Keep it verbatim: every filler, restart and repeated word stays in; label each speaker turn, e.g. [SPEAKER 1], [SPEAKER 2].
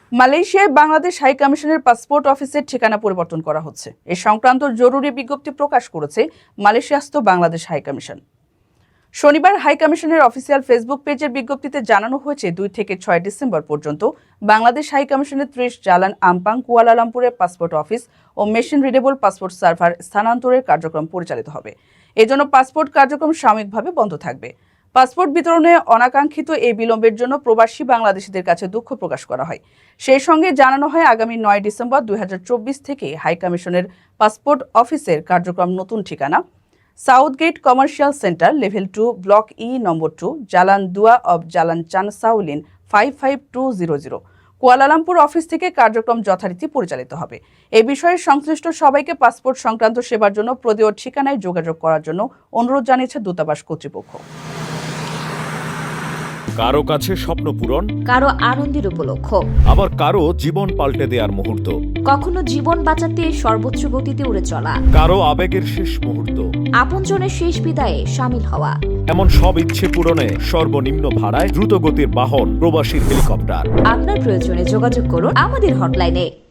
[SPEAKER 1] মালয়েশিয়ায় বাংলাদেশ হাই কমিশনের পাসপোর্ট অফিসের ঠিকানা পরিবর্তন করা হচ্ছে। এ সংক্রান্ত জরুরি বিজ্ঞপ্তি প্রকাশ করেছে মালয়েশিয়াস্থ বাংলাদেশ হাই কমিশন। শনিবার হাই কমিশনের অফিসিয়াল ফেসবুক পেজের বিজ্ঞপ্তিতে জানানো হয়েছে, দুই থেকে ছয় ডিসেম্বর পর্যন্ত বাংলাদেশ হাই কমিশনের ত্রিশ জালান আম্পাং কুয়ালালামপুরের পাসপোর্ট অফিস ও মেশিন রিডেবল পাসপোর্ট সার্ভার স্থানান্তরের কার্যক্রম পরিচালিত হবে। এজন্য পাসপোর্ট কার্যক্রম সাময়িকভাবে বন্ধ থাকবে। পাসপোর্ট বিতরণে অনাকাঙ্ক্ষিত এই বিলম্বের জন্য প্রবাসী বাংলাদেশিদের কাছে দুঃখ প্রকাশ করা হয়। সেই সঙ্গে জানানো হয়, আগামী নয় ডিসেম্বর দুই হাজার চব্বিশ থেকে হাই কমিশনের পাসপোর্ট অফিসের কার্যক্রম নতুন ঠিকানা Southgate Commercial Centre, level two, block E number two, Jalan Dua off Jalan Chan Sow Lin five five two zero zero Kuala Lumpur office থেকে কার্যক্রম যথারীতি পরিচালিত হবে। এ বিষয়ে সংশ্লিষ্ট সবাইকে পাসপোর্ট সংক্রান্ত সেবার জন্য প্রদেয় ঠিকানায় যোগাযোগ করার জন্য অনুরোধ জানিয়েছে দূতাবাস কর্তৃপক্ষ।
[SPEAKER 2] কারো কাছে স্বপ্ন পূরণ,
[SPEAKER 3] কারো আনন্দের উপলক্ষ,
[SPEAKER 2] আবার কারো জীবন পাল্টে দেওয়ার মুহূর্ত,
[SPEAKER 3] কখনো জীবন বাঁচাতে সর্বোচ্চ গতিতে উড়ে চলা,
[SPEAKER 2] কারো আবেগের শেষ মুহূর্ত,
[SPEAKER 3] আপনজনের শেষ বিদায়ে সামিল হওয়া,
[SPEAKER 2] এমন সব ইচ্ছে পূরণে সর্বনিম্ন ভাড়ায় দ্রুত গতির বাহন প্রবাসীর হেলিকপ্টার।
[SPEAKER 3] আপনার প্রয়োজনে যোগাযোগ করুন আমাদের হটলাইনে।